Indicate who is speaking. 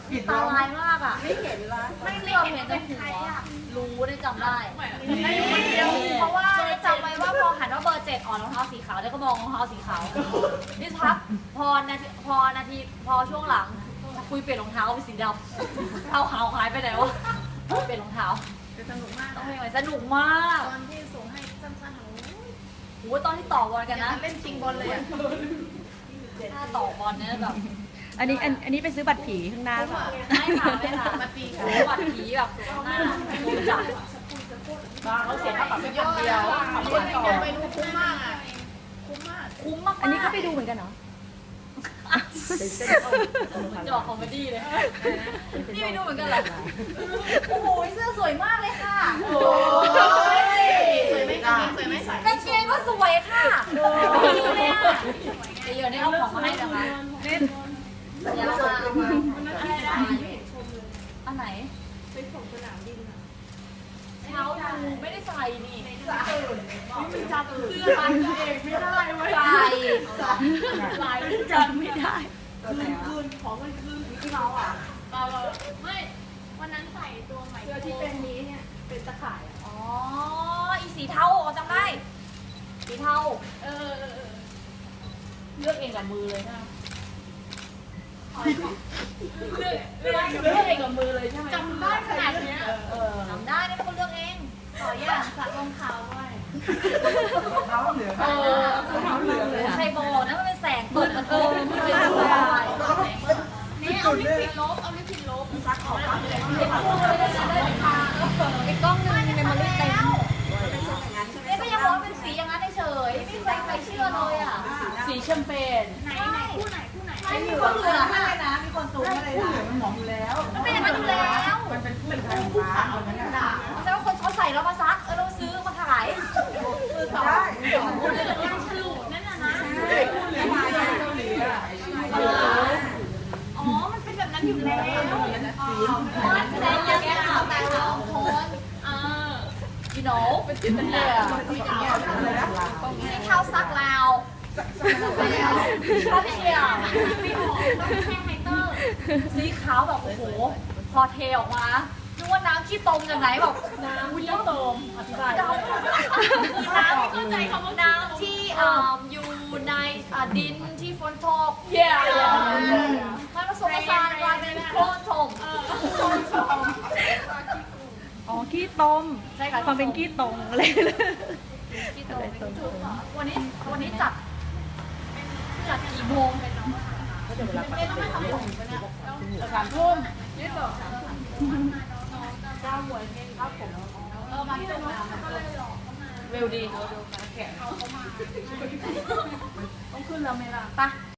Speaker 1: ตาลายมากอ่ะ
Speaker 2: ไม่เห็นละ
Speaker 1: ไม่เลือกเห็นแต่หัวรู้ได้จำได้เพราะว่าจำไว้ว่าพอหันว่าเบอร์7อ่อนรองเท้าสีขาวแล้วก็มองรองเท้าสีขาวนี่ทักพอช่วงหลังคุยเปลี่ยนรองเท้าเป็นสีดำเท้าขาวหายไปไหนวะเปลี่ยนรองเท้า
Speaker 2: แต่สนุกมาก
Speaker 1: ต้องเป็นไงสนุกมาก
Speaker 2: ตอนที่ส่งให้สั้นๆโอ้
Speaker 1: โอ้ตอนที่ต่อบอลกันนะ
Speaker 2: เล่นจริงบอลเลยอ่ะ
Speaker 1: ถ้าต่อบอลเนี่ยแบบ
Speaker 3: อันนี้ไปซื้อบัตรผีข้างหน้าเปล่า
Speaker 1: ไม่ค่ะไม่ค่ะ
Speaker 2: มาตี
Speaker 1: โอ้บัตรผีแบบสวยมากโดนจับ
Speaker 2: เขาเสียค่าปรับเป็นพันเดียวคนไปดูคุ้มมากอ่ะคุ้มมาก
Speaker 1: คุ้มมาก
Speaker 3: อันนี้ก็ไปดูเหมือนกันเหรอ
Speaker 1: จะบอกคอมเมดี้เลยนี่ไปดูเหมือนกันเหรอโอ้โหเสื้อสวยมากเลยค่ะ
Speaker 2: โอ้ยสวยไหมกางเกงสวยไหม
Speaker 1: กางเกงก็สวยค่ะดีเลยอ่ะเดี๋ยวนี้เอาของมาให้นะคะเดี๋ยวเรามาอันไหนไปส่งสนามบินอ่ะเช้าดูไม่ได้ใส่นี่มันจำเสื้อใส่เองไม่ได้เว้ยใส่จำไม่ได้คืนของมันคืนที่เราอ่ะไม่วันนั้นใส่ตัวใหม่เสื้อที่เป็นนี้เนี่ยเป็นตะข่ายอ๋ออีสีเทาจำได้สีเทาเลือกเองกับมือเลยนะเลือกเองกับมือเลยใช่ไหมจำได้ขนาดนี้จำได้นี่เป็นคนเลือกเองขออย่างสักรองเท้าด้วยรองเท้าเหลืองเลยใครบอกนะมันเป็นแสงตกมันไม่เป็นอะไรนี่เอาลิปปิดลบซักออกมาเลยไอ้กล้องนึงในมันเต็มเนี่ยก็ยังบอกว่าเป็นสีอย่างนั้นเฉยไม่เคยใครเชื่อเลยอ่ะสีแชมเปญไหนคู่ไหนไม่มีคนอื่นอ่ะไม่นะมีคนสูงอะไรนะมันหมองอยู่แล้วมันเป็นอย่างนั้นอยู่แล้วมันเป็นคู่ขาวเหมือนกันนะแต่ว่าคนเขาใส่แล้วมาซักเราซื้อมาขายได้คู่เลยฉลุนั่นน่ะนะอ๋อมันเป็นแบบนั้นอยู่แล้วมันแสดงอย่างนี้ค่ะแต่ละคนyou know เป็นสีเทาซักลาวชอบเชียร์ไม่ออกต้องแห้งไฮเตอร์สีขาวแบบโอ้โหพอเทออกมานึกว่าน้ำขี้ตมจากไหนแบบน้ำขี้ตมอธิบายน้ำเข้าใจคำว่าน้ำที่อยู่ในดินที่ฝนตกมันผสมผสานกลายเป็นโคลนถม
Speaker 3: อ๋อขี้ต้ม
Speaker 1: ใช่ค่ะ
Speaker 3: ความเป็นขี้ตรงอะไรเลย
Speaker 1: ขี้ตมวันนี้จัดกี่โมง3 ทุ่มนี่ต่อ9 โมงครับผมมาที่ตรงนั้นเร็วดีต้องขึ้นแล้วไหมล่ะไป